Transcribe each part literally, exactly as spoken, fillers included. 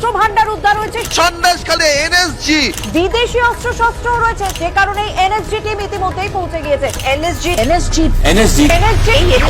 অস্ত্র ভান্ডার উদ্ধার হয়েছে সন্দেশখালী এনএসজি, বিদেশি অস্ত্র শস্ত্র রয়েছে, যে কারণে এনএসজি টিম ইতিমধ্যেই পৌঁছে গিয়েছে। এনএসজি এনএসজি এনএসজি এনএসজি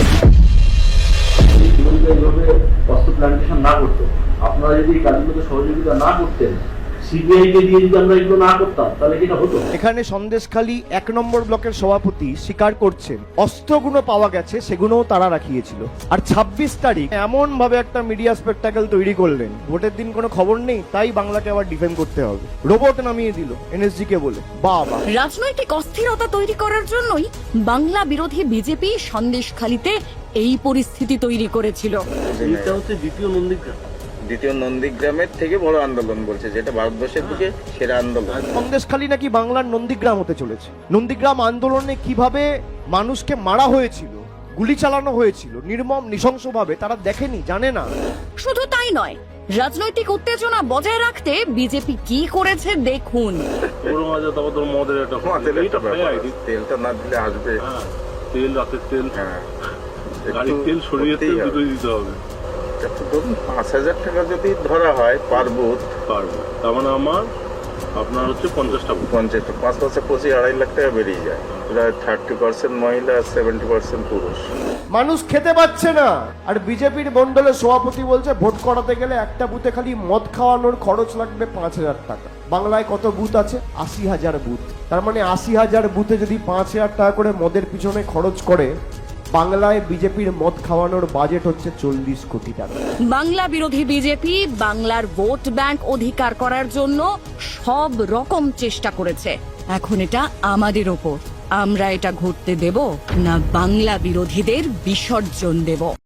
এইভাবে অস্ত্র প্ল্যান্টেশন না করতো, আপনারা যদি এই কাজগুলোকে সহযোগিতা না করতেন, সিবিআই কে দিয়ে যদি আমরা এগুলো না করতাম, তাহলে কি এটা হতো? এখানে সন্দেশখালী এক নম্বর ব্লকের সভাপতি স্বীকার করছেন অস্ত্রগুলো পাওয়া গেছে, সেগুলোও তারা রাখিয়েছিল। আর ছাব্বিশ তারিখ এমন ভাবে একটা মিডিয়া স্পেকটাকেল তৈরি করলেন, ভোটের দিন কোনো খবর নেই, তাই বাংলাকে আবার ডিফেন্ড করতে হবে। রোবট নামিয়ে দিল এনএসজি কে বলে। বাবা, রাজনৈতিক অস্থিরতা তৈরি করার জন্যই বাংলা বিরোধী বিজেপি সন্দেশখালীতে এই পরিস্থিতি তৈরি করেছিল। এইটা হচ্ছে দ্বিতীয় নন্দীগ্রাম। দ্বিতীয় নন্দীগ্রামের থেকে বড় আন্দোলন বলছে, যেটা ভারতবর্ষের দিকে সেরা আন্দোলন। সন্দেশখালী নাকি বাংলার নন্দীগ্রাম হতে চলেছে। নন্দীগ্রাম আন্দোলনে কিভাবে মানুষকে মারা হয়েছিল, গুলি চালানো হয়েছিল নির্মম নৃশংসভাবে, তারা দেখেনি, জানে না। শুধু তাই নয়, রাজনৈতিক উত্তেজনা বজায় রাখতে বিজেপি কি করেছে দেখুন। গরম আছে, তারপর তোর মদের একটা আমাদের একটা এইটা ব্যাপার, খাই, তেলটা না দিলে আসবে। হ্যাঁ, তেল, রাতের তেল, হ্যাঁ, গাড়ির তেল, শরীরের তেল দুটোই দিতে হবে। একটু ধরুন পাঁচ হাজার টাকা যদি ধরা হয় পার বুথ, পারবো, তার মানে আমার আপনার হচ্ছে পঞ্চাশটা বুথ। পঞ্চায়েত পাঁচ পাঁচে পঁচিশ আড়াই লাখ টাকা বেরিয়ে যায়। প্রায় থার্টি পার্সেন্ট মহিলা, সেভেন্টি পার্সেন্ট পুরুষ। মানুষ খেতে পাচ্ছে না, আর বিজেপির মন্ডলের সভাপতি বলছে ভোট করাতে গেলে একটা বুথে খালি মদ খাওয়ানোর খরচ লাগবে পাঁচ হাজার টাকা। বাংলায় কত বুথ আছে? আশি হাজার বুথ। তার মানে আশি হাজার বুথে যদি পাঁচ হাজার টাকা করে মদের পিছনে খরচ করে, বাংলায় বিজেপির মদ খাওয়ানোর বাজেট হচ্ছে চল্লিশ কোটি টাকা। বাংলা বিরোধী বিজেপি বাংলার ভোট ব্যাংক অধিকার করার জন্য সব রকম চেষ্টা করেছে। এখন এটা আমাদের ওপর, আমরা এটা ঘটতে দেব না বাংলা বিরোধীদের বিসর্জন দেব।